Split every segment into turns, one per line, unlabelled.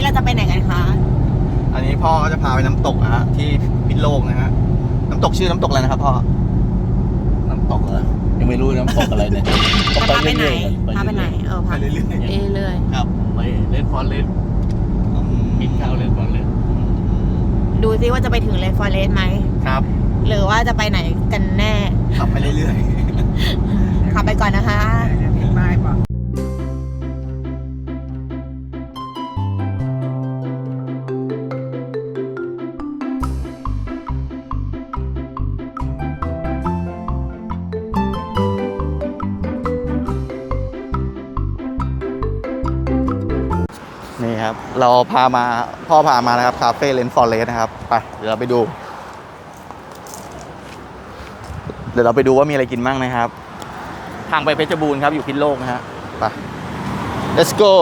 เราจะไปไหนกันคะ
อันนี้พ่อก็จะพาไปน้ำตกนะฮะที่พิษโลกนะฮะน้ำตกชื่อน้ำตกอะไรนะครับพ่อ
น้ำตกเหรอยังไม่รู้น้ำตกอะไรเนี่ย
จะพาไปไหนพาไปไหนพา
ไปเรื่อยๆ
เรื่อย
ครับ
ไปเล่นฟอนเล่นกินข้าวเล่นฟอนเล่น
ดูซิว่าจะไปถึงเลฟอเรสไหม
ครับ
หรือว่าจะไปไหนกันแน่
ขับไปเรื่อย
ขับไปก่อนนะคะ
นี่ครับเราพ่อพามานะครับคาเฟ่เลนฟอร์เรสนะครับไปเดี๋ยวเราไปดูว่ามีอะไรกินบ้างนะครับทางไปเพชรบูรณ์ครับอยู่พิษโลกนะฮะไป let's go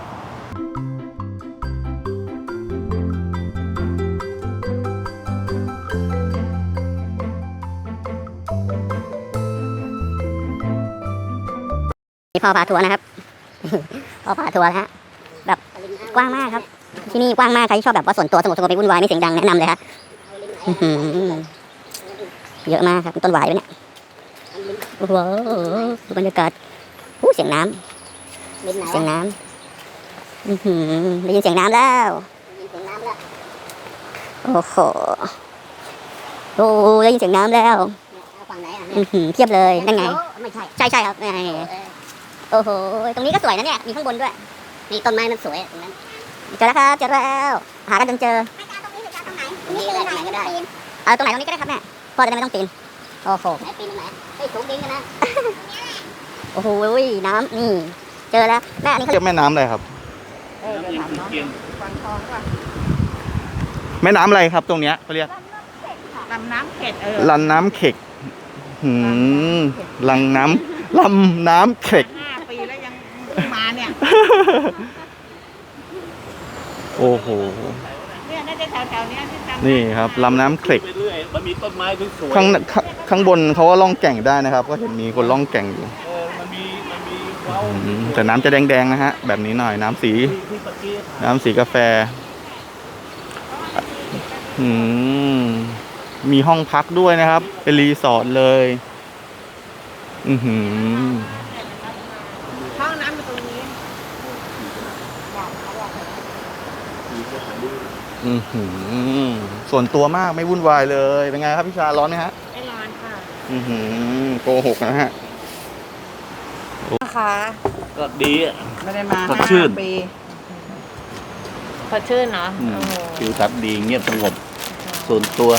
พ่อพาทัวร์นะครับ พ่อพาทัวร์นะฮะแบบกว้างมากครับ ที่นี่กว้างมากใครที่ชอบแบบว่าส่วนตัวสงบไม่วุ่นวายไม่เสียงดังแนะนำเลยฮะเยอะมากครับต้นหวายด้วยเนี่ยโอ้โหดูบรรยากาศเสียงน้ำได้ยินเสียงน้ำแล้วโอ้โหได้ยินเสียงน้ำแล้วเทียบเลยนั่นไงใช่ครับโอ้โหตรงนี้ก็สวยนะเนี่ยมีข้างบนด้วยนี่ต้นไม้มันสวยตรงนั้นเจอแล้วครับเจอแล้วหากันจนเจอตรงนี้หรือตรงไหนตรงนี้ก็ได้เอาตรงไหนตรงนี้ก็ได้ครับแม่พ่อจะได้ไม่ต้องปีนโอ้โหไหนปีนตรงไหนเฮ้ยสูงดินกันนะโอ้โหน้ำนี่เจอแล้วแม่อันนี้เขา
เรียกแม่น้ำอะไรครับ
ฟันทองป่ะ
แม่น้ำอะไรครับตรงเนี้ยเขาเรียก
ลำน้ำเข็ด
ลันน้ำเข็กลำน้ำเข็ก
5 ปีแล้วยังมาเนี่ย
โอ้โห
เนี่ยน่าจะแถวๆนี้ที่จำ
นี่ครับลำน้ำเข็ก
ไปเรื่อยมันมีต้นไม้สวย
ข้างบนเขาก็ล่องแก่งได้นะครับ ก็เห็นมีคนล่องแก่งอยู่
มันมีว้าว
แต่น้ำจะแดงๆนะฮะแบบนี้หน่อยน้ำสี
ที่ปะกี้
น้ำสีกาแฟมีห้องพักด้วยนะครับเป็นรีสอร์ทเลย
ห้องน้ำอยู่ตรงนี้
ส่วนตัวมากไม่วุ่นวายเลยเป็นไงครับพี่ชาร้อนไหมฮะ
ไม่ร้อนค่ะ
โกหกนะฮะ
นะคะ
ก็ดีอ่ะ
ไม่ได้มา
สดชื่น
5 ปีสดชื่นเนาะ
ทิวทัศน์ดีเงียบสงบส่วนตัว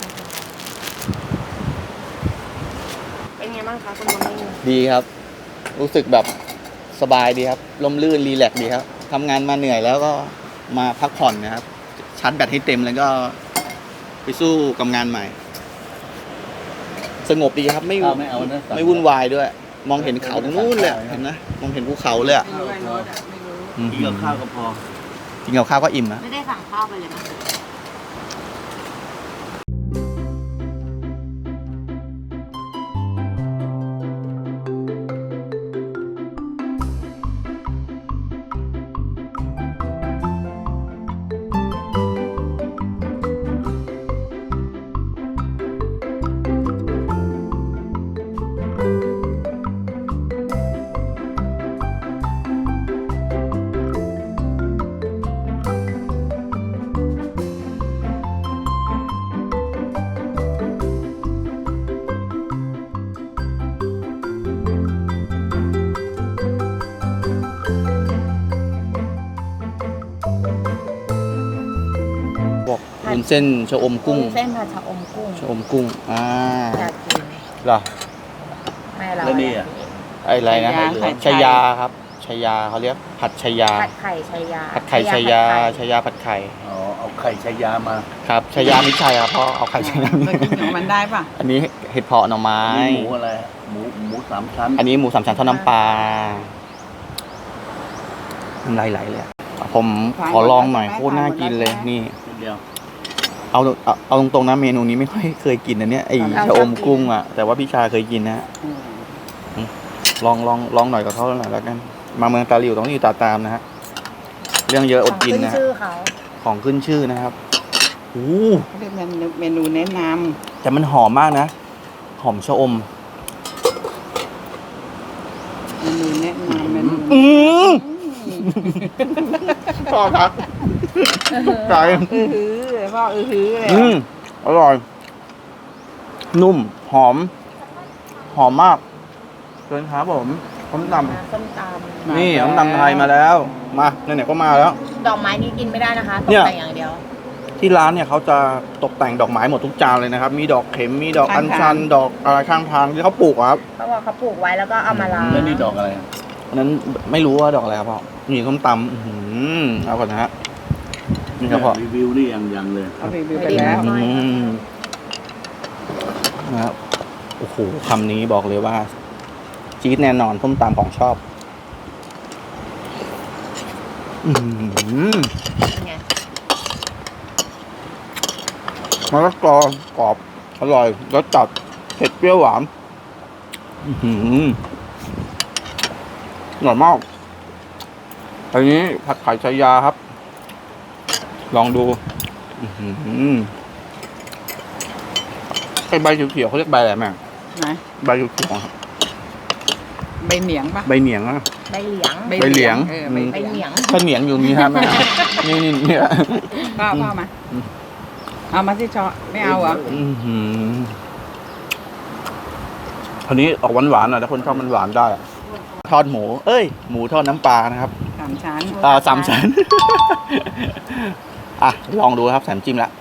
เป็นไงบ้างคะคุณบอมมี่
ดีครับ รู้สึกแบบสบายดีครับร่มรื่นรีแลกซ์ดีครับทำงานมาเหนื่อยแล้วก็มาพักผ่อนนะครับชาร์จแบตให้เต็มแล้วก็ไปสู้กับงานใหม่ สงบดีครับไม่วุ่นวายด้วย มองเห็นเขาตรงนู้นเลยเห็นนะมองเห็นภูเขาเลยอ่ะ
กินกับข้าวก็พอ
กินกับข้าวก็อิ่มนะ
ไม่ได้สั่งข้าวไปเลยนะ
บอกวุ้นเส้นชะอมกุ้ง
เส้นผัดชะอมกุ้ง
ชะอมกุ้ง
อยากกิน
เหรอ
แม่เรา
แล้วนี่อ่ะ
อะไรนะ
ผัดไข่
ชายาครับชายาเขาเรียกผัดชายา
ผัดไข่ชายา
ผัดไข่ชายาชายาผัดไข่
อ๋อเอาไข่ชายามา
ครับชายาไม่ใช่ครับเพราะเอาไข่ชายา
เรากินของมันได้ป่ะ
อันนี้เห็ดเผาะหน่อไม้
หมูอะไรหมูสามชั้น
อันนี้หมูสามชั้นทอดน้ำปลาน้ำลายไหลเลยอะผมขอลองหน่อยโคตรน่ากินเลยนี่
เดียว
เอาตรงๆนะเมนูนี้ไม่ค่อยเคยกินนะเนี่ยไอ้ชะอมกุ้งอ่ะแต่ว่าพี่ชาเคยกินนะลองหน่อยกับเขาหน่อยแล้วกันมาเมืองตาหลิวต้องอยู่ตาตามนะฮะเรื่องเยอะอดกิน
ขึ้น
นะ
ชื่อเขา
ของขึ้นชื่อนะครับโอ้
เขาเรียกเมนูแนะน
แต่มันหอมมากนะ หอมชะอม
ำเมนูแนะนำเมนู
ชอบครับไก่
ฮือพ่อฮือเลย
อร่อย นุ่ม หอม หอมมากเชิญครับผมส้มต
ส้มตำ
ำนี่ส้มตำไทยมาแล้ว มาไหนๆก็มาแล้ว
ดอกไม้นี้กินไม่ได้นะคะต
เนี่
ก
ย
แต่งอย่างเดียว
ที่ร้านเนี่ยเขาจะตกแต่งดอกไม้หมดทุกจานเลยนะครับ มีดอกเข็ม มีดอกอัญชัน ดอกอะไรข้างทางที่เขาปลูกอะครับ
เพราะว่าเขาปลูกไว้แล้วก็เอามาล้าง
แล้วนี่ดอกอะไร
อันนั้นไม่รู้ว่าดอกอะไรครับพ่อนี่ส้มตำเอาก่อนนะฮะ นี่ครับพ่อ
รีวิวนี่ยังเลย
เอารีวิวไปแล้ว
นะครับโอ้โหคำนี้บอกเลยว่าจี๊ดแน่นอนส้มตำของชอบ
เป็นไง
มะละกอกรอบอร่อยรสจัดเผ็ดเปรี้ยวหวานอร่อยมากอันนี้ผัดไข่ชายาครับ ลองดูไอใบเขียวๆเขาเรียกใบอะไรแม่
ไหน
ใบเขียวๆครับ
ใบเหนียงปะ
ใบเหนียงนะ
ใบเหลียง
ใบเหลียง
ใบเหลียง
ถ้าเหนียงอยู่นี้ฮะแม่ นี่เนี่ย
พ่อมาเอามาที่ชอไม่เอาเหรอ
คราวนี้ออกหวานๆหน่อยถ้าคนชอบมันหวานได้อะทอดหมู เอ้ย หมูทอดน้ำปลานะครับ
3 ชั้น
3 ชั้น อ่ะ ลองดูครับแสนจิ้มละ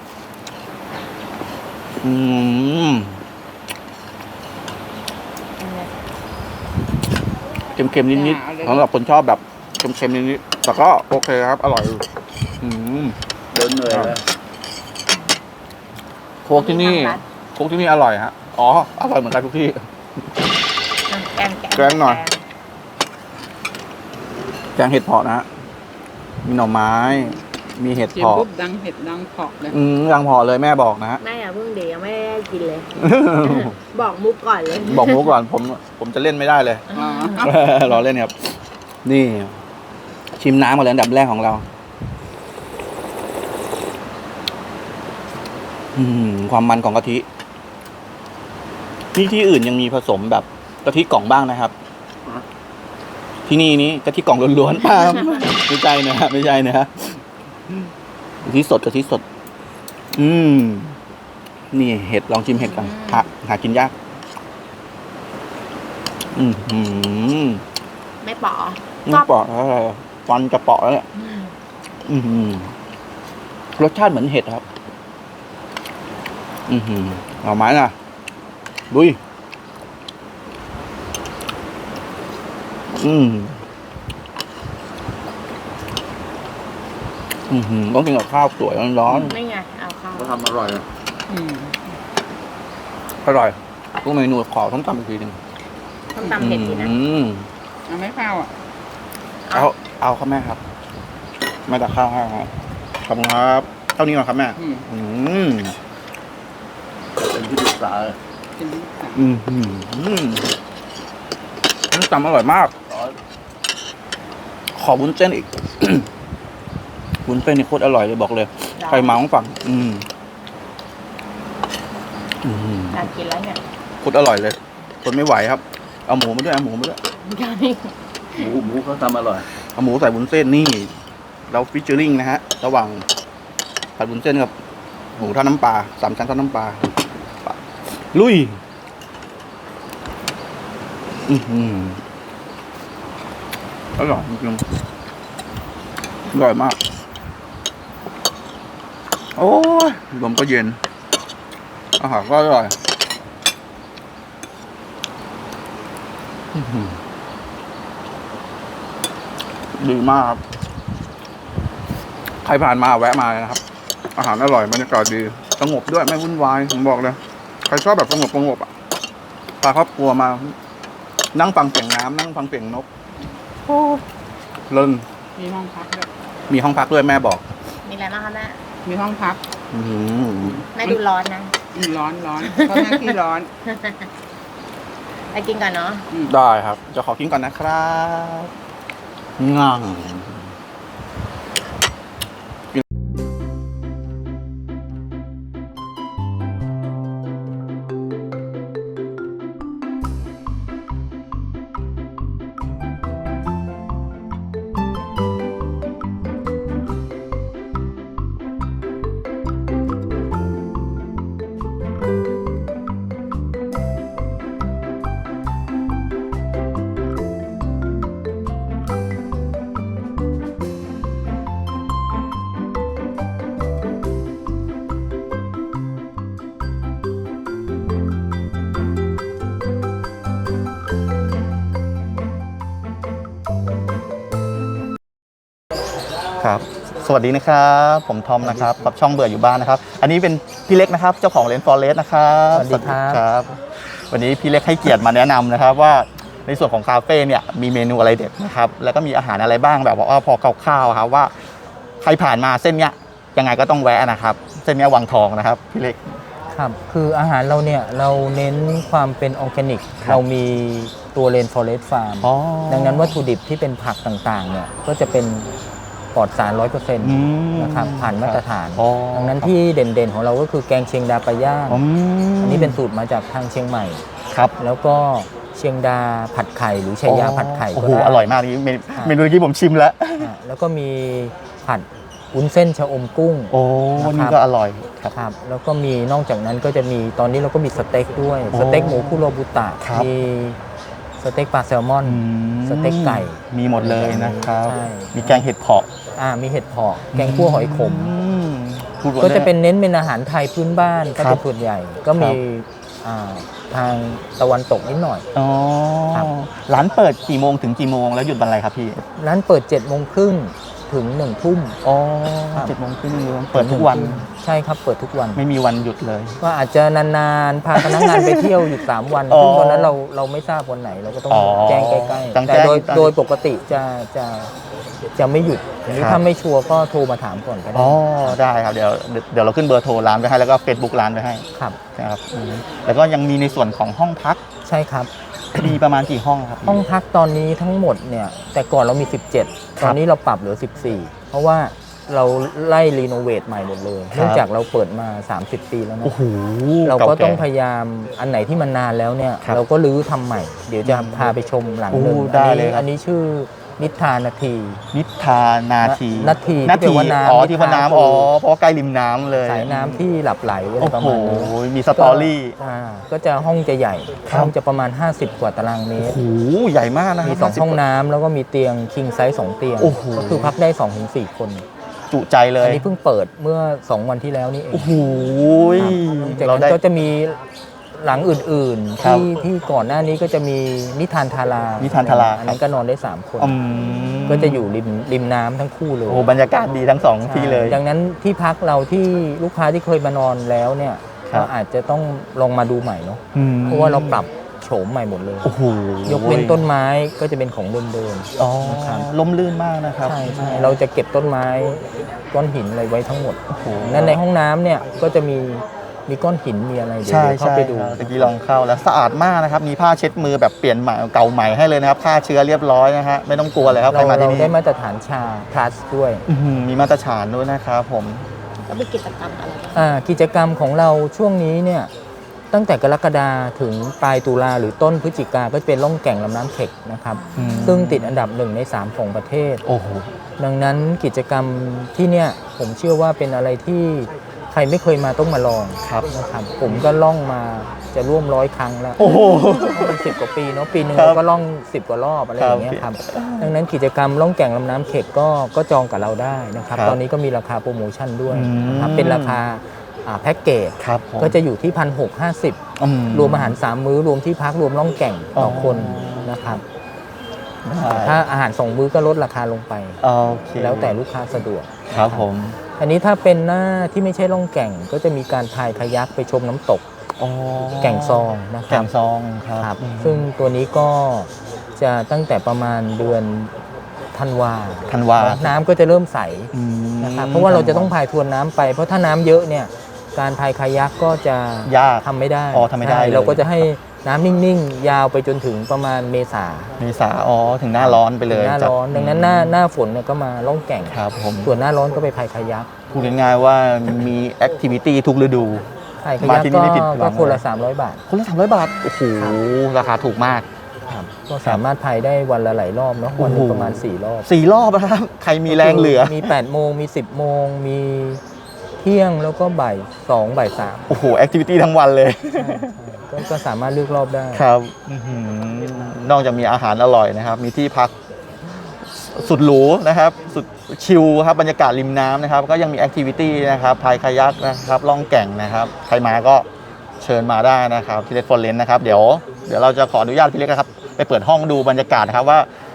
เค็มๆนิดๆสำหรับคนชอบแบบเค็มๆนิดๆแต่ก็โอเคครับ อร่อยอยู่
เดินเหนื่อยเลย
โค้กที่นี่อร่อยฮะ อ๋อ อร่อยเหมือนกันทุกที่ แกงหน่อย แกงเห็ดเผาะนะฮะ มีหน่อไม้ มีเห็ด
จิ้ม
เผาะ
ปุ๊บดังเห็ดดังเผาะเลย
ดังเผาะเลยแม่บอกนะฮะ
แม่อย่าเพิ่งเดี๋ยวไม่ได้กินเลย บอกมุกก่อนเลย
บอกหมูก่อนผมจะเล่นไม่ได้เลย
อ๋อ
รอเล่นครับ นี่ ชิมน้ำก่อนเลยอันดับแรกของเรา ความมันของกะทิที่อื่นยังมีผสมแบบกะทิกล่องบ้างนะครับ ที่นี่กะทิกล่องล้วนๆไม่ใช่นะฮะไม่ใช่นะฮะกะทิสดนี่เห็ดลองชิมเห็ดกันหากินยาก
ไม่ปอ
ไม่เปาะอะไรฟันจะเปาะแล้วเนี่ยรสชาติเหมือนเห็ดครับเอาไม้น่ะดุยต้องกินกับข้าวสวยร้อน
ไม่ไง เอาข้าว
เขาทำอร่อยอะ
อร่อยทุกเมนูขอต้องตำอีกทีหนึ่ง
ต้มตำเผ็ดดีนะ
เอาไม่ข้าวอ่ะ
เอาครับแม่ครับแม่ตักข้าวให้ครับขอบคุณครับเท่านี้ก่อนครับแม่
เป็นที่ปรึกษา
กินที่สาม
น้ำตำอร่อยมาก ขอวุ้นเส้นอีก วุ้นเส้นนี่โคตรอร่อยเลยบอกเลย ใครมาต้องฝั่ง
อยากกินแล้วเนี่ย
โคตรอร่อยเลยคนไม่ไหวครับ เอาหมูมาด้วย
หมูเขาทำอร่อย
เอาหมูใส่วุ้นเส้นนี่ เราฟิชเจอริงนะฮะ ระหว่างผัดวุ้นเส้นกับหมูทอดน้ำปลา3 ชั้นทอดน้ำปลาลุยอร่อยจริงๆอร่อยมากโอ้ยลมก็เย็นอาหารก็อร่อยดีมากครับใครผ่านมาแวะมาเลยนะครับ อาหารอร่อยบรรยากาศดีสงบด้วยไม่วุ่นวายผมบอกเลยใครชอบแบบสงบอ่ะพาครอบครัวมานั่งฟังเสียงน้ำนั่งฟังเสียงนกเลิน
มีห้องพักด้วย
มีห้องพักด้วยแม่บอก
มีอะไรบ้างคะแม่
มีห้องพัก
แม่ดูร้อนนะ
ร้อนเพราะหน้าที่ร้อน
ไปกินก่อนเนาะ
ได้ครับจะขอกินก่อนนะครับง่างครับสวัสดีนะครับผมทอมนะครับกับช่องเบื่ออยู่บ้านนะครับอันนี้เป็นพี่เล็กนะครับเจ้าของเลนฟอเรสนะครับ
สวัสดีครับ
วันนี้พี่เล็กให้เกียรติมาแนะนำนะครับว่าในส่วนของคาเฟ่เนี่ยมีเมนูอะไรเด็ดนะครับแล้วก็มีอาหารอะไรบ้างแบบว่าพอคร่าวๆครับว่าใครผ่านมาเส้นเนี้ยยังไงก็ต้องแวะนะครับเส้นเนี้ยวังทองนะครับพี่เล็ก
ครับคืออาหารเราเนี่ยเราเน้นความเป็นออร์แกนิก
ครับ
เรามีตัวเลนฟอเรสฟาร์ม
อ๋อ
ดังนั้นวัตถุดิบที่เป็นผักต่างๆเนี่ยก็จะเป็นปลอดสาร 100% นะครับผ่านมาตรฐาน
อ๋อ
ดังนั้นที่เด่นๆของเราก็คือแกงเชียงดาปลาย่าง อันนี้เป็นสูตรมาจากทางเชียงใหม่
ครับ
แล้วก็เชียงดาผัดไข่หรือชายาผัดไข่
โอ้
ก็
โห
ได้
อร่อยมากนี่เมนูที่ผมชิมแล้ว
แล้วก็มีผัดวุ้นเส้นชะอมกุ้ง
โอ้
นะครับ
นี่ก็อร่อยครับ
ครับแล้วก็มีนอกจากนั้นก็จะมีตอนนี้เราก็มีสเต็กด้วย
โอ้
สเต็กหมูคุโรบุตะ
ครับ
มีสเต็กปลาแซลมอน สเต็กไก่
มีหมดเลยนะครับ
ใช่
มีแกงเห็ดเผาะ
มีเห็ดเผาะแกงคั่วหอยขม
พูดว่า
ก็จะเป็นเน้นเป็นอาหารไทยพื้นบ้านก็
ครั
เป็
บ
นส่วนใหญ่ ก็มีทางตะวันตกนิดหน่อย
อ๋อ
ครับ
ร้านเปิดกี่โมงถึงกี่โมงแล้วหยุดวันอะไรครับพี่
ร้านเปิด7 โมงครึ่งถึง1 ทุ่ม
อ๋อ
ครับ
7 โมงครึ่งเปิดทุกวัน
ใช่ครับเปิดทุกวัน
ไม่มีวันหยุดเลย
ว่าอาจจะนานๆ พาพนักงานไปเที่ยวหยุด3 วัน
อ๋อ
ซึ่งตอนนั้นเราไม่ทราบวันไหนเราก็ต้อง
อ๋อ
แจ้งใกล้
ต้อง
ๆแต่
แจ้ง
โดยปกติจะไม่หยุดทีนี้
ครับ
ถ้าไม่ชัวร์ก็โทรมาถามก่อนก็ได้
อ๋อได้ครับเดี๋ยวเราขึ้นเบอร์โทรร้านไว้ให้แล้วก็ Facebook ร้านไว้ให้
ครับ
นะครับแล้วก็ยังมีในส่วนของห้องพัก
ใช่ครับ
มีประมาณกี่ห้องครับ
ห้องพักตอนนี้ทั้งหมดเนี่ยแต่ก่อนเรามี 17 ตอนนี้เราปรับเหลือ 14 เพราะว่าเราไล่รีโนเวทใหม่หมดเลย
ครับ
เนื่องจากเราเปิดมา 30 ปีแล้วนะ
โอ้โห
เราก็ต้องพ
เก่
ยายามอันไหนที่มันนานแล้วเนี่ย
ครับ
เราก็รื้อทำใหม่ เดี๋ยวจะพาไปชมหลังหนึ่ง
โอ้ได้เลยครับ
อันนี้ชื่อนิทานาที
นิทานาที
นาที
นา
ที่
ที
แปลว่าน้ำ
อ๋อที่ว่าน้ำ
นิทา
อ๋อเพราะว่าใกล้ริมน้ำเลย
สายน้ำที่หลับไหลอะไร
โอ้
ประ
โห
มาณนี้
มีสตอรี่
ก็จะห้องจะใหญ่
ครับ
ห้องจะประมาณ 50 กว่าตารางเม
โอ้
ตร
โหใหญ่มากนะค
มี
รับ
2 ห้องน้ำแล้วก็มีเตียงคิงไซส์2เตียง
โอ้โห
ก็คือพักได้ 2-4 คน
จุใจเล
อั
ย
นนี้เพิ่งเปิดเมื่อ 2 วันที่แล้วนี่เอง
โอ้โห
จาก
เรา
นั้
ได้
นก็จะมีหลังอื่นๆ
ครับ
ที่ก่อนหน้านี้ก็จะมีนิทานทารา
นิทานทารา
อันนั้นก็นอนได้ 3 คน
อืม
ก็จะอยู่ริมน้ำทั้งคู่เลย
โอ้โหบรรยากาศดีทั้งสองที่เลย
ดังนั้นที่พักเราที่ลูกค้าที่เคยมานอนแล้วเนี่ย
ครับ
ก็อาจจะต้องลองมาดูใหม่เนาะ
อืม
เพราะว่าเราปรับโฉมใหม่หมดเลย
โอ้โห
ยกเว้นต้นไม้ก็จะเป็นของเดิม
อ๋อ
นะครับ
ล่มลื่นมากนะครับ
ใช่เราจะเก็บต้นไม้ก้อนหินอะไรไว้ทั้งหมด
โอ้โห
นั้นในห้องน้ำเนี่ยก็จะมีก้อนหินมีอะไรเดี๋ยว
ใช่
เข้า
ใช่
ไปดู
ครับตะกี้ลองเข้าแล้วสะอาดมากนะครับ มีผ้าเช็ดมือแบบเปลี่ยนใหม่เก่าใหม่ให้เลยนะครับฆ่าเชื้อเรียบร้อยนะฮะไม่ต้องกลัวเลยครับใครมาที่
เรา
นี่
ได้มาตรฐานชา plus ด้วย
อื้อหือมีมาตรฐานด้วยนะครับผม
แล้วมีกิจกรรมอะไร
กิจกรรมของเราช่วงนี้เนี่ยตั้งแต่กรกฎาถึงปลายตุลาหรือต้นพฤศจิกาก็จะเป็นล่องแก่งลำน้ำเข็กนะครับ
อืม
ซึ่งติดอันดับ1 ใน 3 ของประเทศ
โอ้โห
ดังนั้นกิจกรรมที่เนี่ยผมเชื่อว่าเป็นอะไรที่ใครไม่เคยมาต้องมาลอง
ครับ
นะครับผมก็ล่องมาจะร่วม100 ครั้งแล้ว
โอ้โห
เป็น10 กว่าปีเนาะปีหนึ่ง
ครับ
เราก็ล่อง 10 กว่ารอบอะไรอย่างเงี้ย
ครับ
ครับดังนั้นกิจกรรมล่องแก่งลำน้ำเข็กก็จองกับเราได้นะครับ
ครับ
ตอนนี้ก็มีราคาโปรโมชั่นด้วย
อืม
นะครับเป็นราคาแพ็กเกจ
ครับผม
ก็จะอยู่ที่ 1,650
อื
รวมอาหาร 3 มื้อรวมที่พักรวมล่องแก่งต่ออ
อ
คนนะครับ
ได้
ถ้าอาหาร 2 มื้อก็ลดราคาลงไป
โอเค
แล้วแต่ลูกค้าสะดวก
ครับผม
อันนี้ถ้าเป็นหน้าที่ไม่ใช่ล่องแก่ง ก็จะมีการพายคายักไปชมน้ำตก
อ๋อ
แก่งซองนะค
แก่
รับ
งซองครับ
ครับซึ่งตัวนี้ก็จะตั้งแต่ประมาณเดือนธันวา
ธันวา
น้ำก็จะเริ่มใส
อืม
นะครับเพราะว่าเราจะต้องพายทวนน้ำไป เพราะถ้าน้ำเยอะเนี่ยการพายคายักก็จะ
ยาก
ทำไม่ได้
อ๋อทำไม่ได้
ใช่
เลย
เราก็จะให้น้ำนิ่งๆ ยาวไปจนถึงประมาณเมษา
เมษาอ๋อถึงหน้าร้อนไปเลย
หน้าร้อน ดังนั้นหน้าฝนเนี่ยก็มาล่องแก่ง
ครับผม
ส่วนหน้าร้อนก็ไปพายคายัก
พูดง่ายๆว่ามีแอคทิวิตี้ทุกฤดู
พายคา
มา
ยัก
ที่นี่ไม่ผิดหวั
ก็
ง
คนละ
เลย
300 บาท
คนละ300 บาท โอ้โห ราคาถูกมาก
ก็สามารถพายได้วันละหลายรอบเนาะวันหนึงประมาณ4 รอบ
4 รอบนะครับ ใครมีแรงเหลือ
มี8 โมงมี 10 โมงมีเที่ยงแล้วก็บ่าย2บ่าย3
โอ้โห แอคทิวิตี้ทั้งวันเลย
ก็สามารถเลือกรอบได้
ครับอื้อหือนอกจากมีอาหารอร่อยนะครับ มีที่พักสุดหรูนะครับ สุดชิลครับ บรรยากาศริมน้ำนะครับ ก็ยังมีแอคทิวิตี้นะครับ พายคายักนะครับล่องแก่งนะครับ ใครมาก็เชิญมาได้นะครับที่เลดฟอร์เรนนะครับ เดี๋ยวเราจะขออนุญาตพี่เล็กนะครับ ไปเปิดห้องดูบรรยากาศนะครับว่า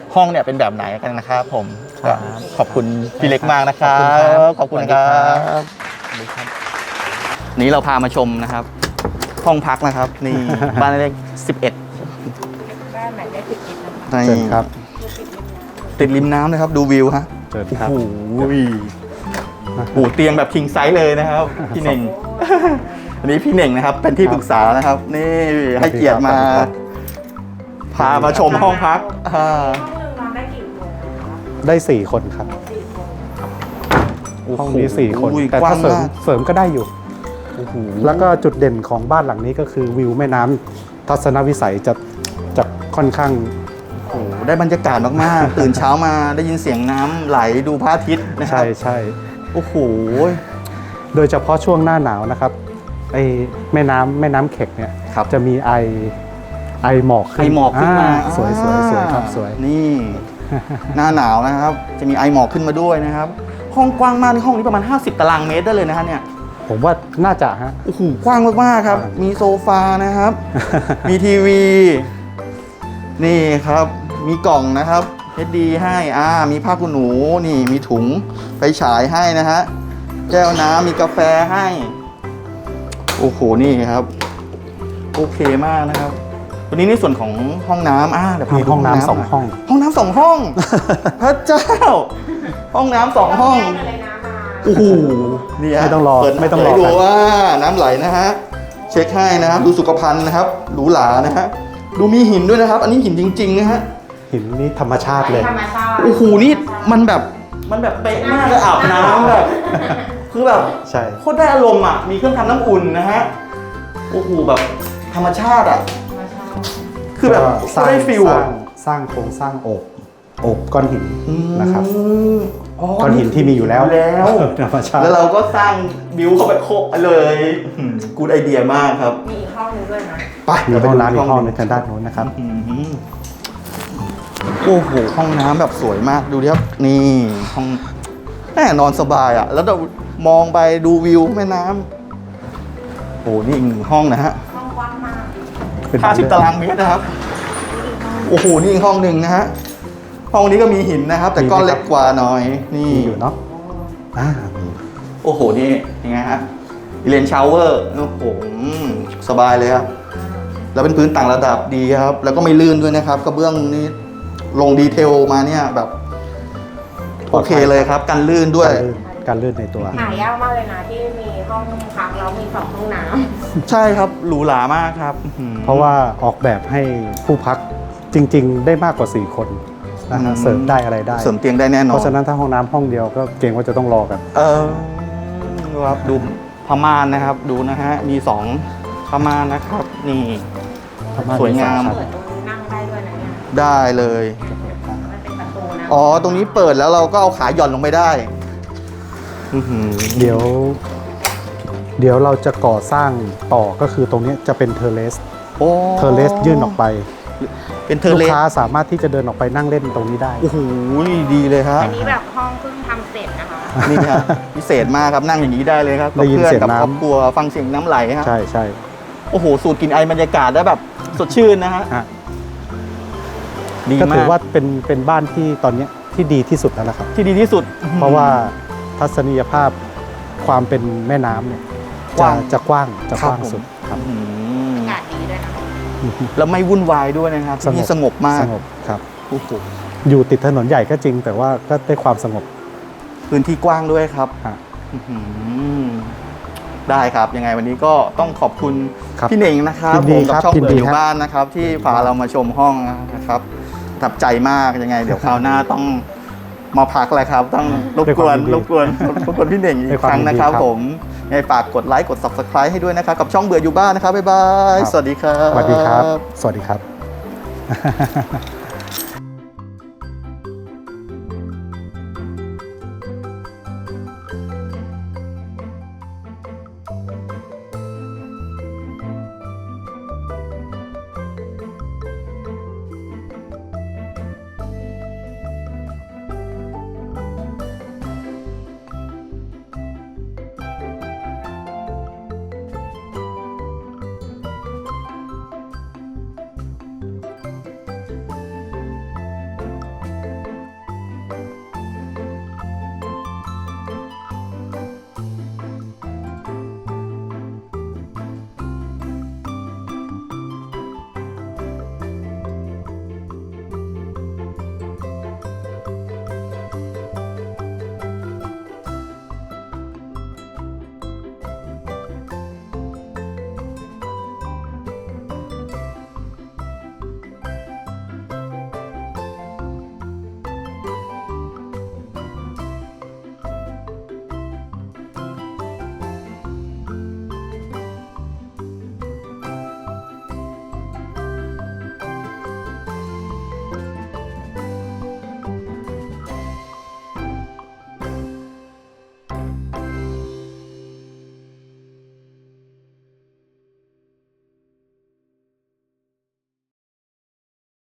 ห้องเนี่ยเป็นแบบไหนกันนะครับผม
ครับ
ขอบคุณพี่เล็กมากนะครั
ขอบคุณครับ
ขอบคุณครับ
สวัสดีครับ
นี้เราพามาชมนะครับ ห้องพักนะครับ นี่ บ้านเลข11
บ้านไหนได้ติดกินนะคะ
นี่
เชิญครับ
ติดริมน้ำนะครับ ดูวิวฮะ
เชิญ
โอ้
ครับ
โหโอ้โหเตียงแบบคิงไซส์เลยนะครับ พี่เน่ง อันนี้พี่เน่งนะครับ เป็นที่ปรึกษานะครับ นี่ให้เกียรติมา พามาชมห้องพักอ่า
ห้องหนึ่งนอนได้กี่คนคะ
ได้4 คนครับ
4 คน
ห้องนี้4 คน
โอ้ย
แต่
กว้า
ถ้างเสริม
มาก
เสริมก็ได้อยู่
โอ้โห
แล้วก็จุดเด่นของบ้านหลังนี้ก็คือวิวแม่น้ำทัศนวิสัยจะค่อนข้าง
โอ้โหได้บรรยากาศมากๆ ตื่นเช้ามาได้ยินเสียงน้ำไหลดูพระอาทิตย์นะครั
ใช่
บ
ใช่
โอ้โห
โดยเฉพาะช่วงหน้าหนาวนะครับไอแม่น้ำเข็กเนี่ย
ครับ
จะมีไอหมอกขึ้น
ไอหมอกขึ้นมา
สวยสวยสวยครับสวย
นี่ หน้าหนาวนะครับ จะมีไอหมอกขึ้นมาด้วยนะครับ ห้องกว้างมากห้องนี้ประมาณ 50 ตารางเมตรได้เลยนะฮะเนี่ย
ผมว่าน่าจะฮะ
โอ้โหกว้างมากๆครับ มีโซฟานะครับ มีทีวี นี่ครับ มีกล่องนะครับ HD ให้มีผ้าขนหนู นี่มีถุงไฟฉายให้นะฮะ แก้วน้ำมีกาแฟให้ โอ้โห นี่ครับ โอเคมากนะครับ วันนี้ในส่วนของห้องน้ำเดี๋ยวพา
มี
ไปดู
ห้องน้ำ
หย
2 ห้อง
ห้องน้ำ2 ห้อง พระเจ้า ห้องน้ำ2 ห้อง
แยกกันเลยนะมา
โอ้โหนี่ฮะ
ไม่ต้องรอ
เปิด
ไม่ต้องรอ
ให้ดู
กัน
ว่าน้ำไหลนะฮะ เช็คให้นะครับ ดูสุขภัณฑ์นะครับ หรูหรานะฮะ ดูมีหินด้วยนะครับ อันนี้หินจริงๆนะฮะ
หินนี่ธรรมชาติเลย
ธรรมชาติ
โอ้โห นี่มันแบบเป๊ะมากเลยอาบน้ำแบบ คือแบบ
ใช่
โคตรได้อารมณ์อ่ะ มีเครื่องทำน้ำอุ่นนะฮะ โอ้โห แบบธรรมชาติอ่ะ คือแบบ
ก็
โคตรได้ฟิลอ่ะ
สร้างโครงสร้างโอบก้อนหินนะครับ
อืม
ก้อนหินที่มีอยู่แล้ว
แล้ว
ธรรมชาติ
แล้วเราก็สร้างบิวเข้าไปโคกเลยกูดไอเดียมากครับ
มีอีกห้องหนึงด้วยนะ
ไป
มีห้องน้ำอีกห้อง
ห
ใน
นึ่ง
ทางด้านโน้นนะครับ
อืมโอ้โห ห้องน้ำแบบสวยมากดูดิครับ นี่ห้องแน่นอนสบายอ่ะ แล้วเรามองไปดูวิวแม่น้ำโอ้นี่อีกหนึ่งห้องนะฮะ
ห้องกว้างมาก
เป็น
50 ตารางเมตรนะครับ โอ้โห นี่อีกห้องหนึ่งนะฮะ ห้องนี้ก็มีหินนะครับ แต่ก้อนเล็กกว่าหน่อย นี่
มีอยู่เนาะมี
โอ้โห นี่ยังไงฮะเลนชาวเวอร์ โอ้โหสบายเลยครับ แล้วเป็นพื้นต่างระดับดีครับ แล้วก็ไม่ลื่นด้วยนะครับ กระเบื้องนี้ลงดีเทลมาเนี่ยแบบ โอเคเลยครับ กันลื่นด้วย
การลื่นในตัว
หายากมากเลยนะที่มีห้องพักแล้วมี2 ห้องน้ำ
ใช่ครับ หรูหรามากครับ
เพราะว่าออกแบบให้ผู้พักจริง ๆ ได้มากกว่า 4 คนนะฮะเสริมได้อะไรได้
เสริมเตียงได้แน่นอน
เพราะฉะนั้นถ้าห้องน้ำห้องเดียวก็เกรงว่าจะต้องรอกัน
ครับดูพม่านนะครับ ดูนะฮะ มี2พม่านนะครับ นี่ สวยงาม
เปิดตรงนี้นั่งได้ด้วยนะเนี่ย
ได้เลย
มันเป็นประตูนะ
อ๋อ ตรงนี้เปิดแล้วเราก็เอาขาหย่อนลงไปได้ อื้อหือ
เดี๋ยวเราจะก่อสร้างต่อก็คือตรงนี้จะเป็นเทอร์เลส
โอ้
เทอร์เลสยื่นออกไป
เป็นเทอ
ลู
ร์
ก
เลส
ค้าสามารถที่จะเดินออกไปนั่งเล่นตรงนี้ได้
โอ้โห ดีเลยครับ
อันนี้แบบห้องเพิ่งทำเสร็จนะคะ
นี่ครับพิเศษมากครับนั่งอย่างนี้ได้เลยครับ
ได้ยิน
กับ
เสี
เพื่อย น
ง
กับ
น้ำ
ครอบครัวฟังเสียงน้ำไหลฮะ
ใช่ใช่
โอ้โห สูดกลิ่นไอบรรยากาศได้แบบสดชื่นนะฮะ
ฮะ
ดี
ก็
มา
ถือก ว่าเป็นบ้านที่ตอนนี้ที่ดีที่สุดแล้วนะครับ
ที่ดีที่สุด
เพราะว่าทัศนียภาพความเป็นแม่น้ำเนี่ย
กว้าง
จะกว้างจะ
ครั
ก
บ
ว้าง
ผม
สุดครับ
อืม
อากาศดีด้วยนะ
แล้วไม่วุ่นวายด้วยนะครับที่นี่สงบมาก
สงบครับ
โอ้โห
อยู่ติดถนนใหญ่ก็จริง แต่ว่าก็ได้ความสงบ
พื้นที่กว้างด้วยครับ
ฮะ
อื้อหือได้ครับยังไงวันนี้ก็ต้องขอบคุณ
ครับ
พี่เน่งนะครับ
ยินดี
ผมกั
ครับ
ช่อง
ยิน
เปิ
ดี
ดอยู่
ครับ
บ้านนะครับ ที่พาเรามาชมห้องนะครับประทับใจมากยังไง เดี๋ยวคราวหน้าต้องมาพักแหละครับ ต้องรบกวนพี่เน่งอีกครั้งนะครับ ผมยังไงฝากกดไลค์กด Subscribe ให้ด้วยนะครับ กับช่องเบื่ออยู่บ้านนะครับบ๊ายบายสวัสดีครับ
สวัสดีครับ สวัสดีครับ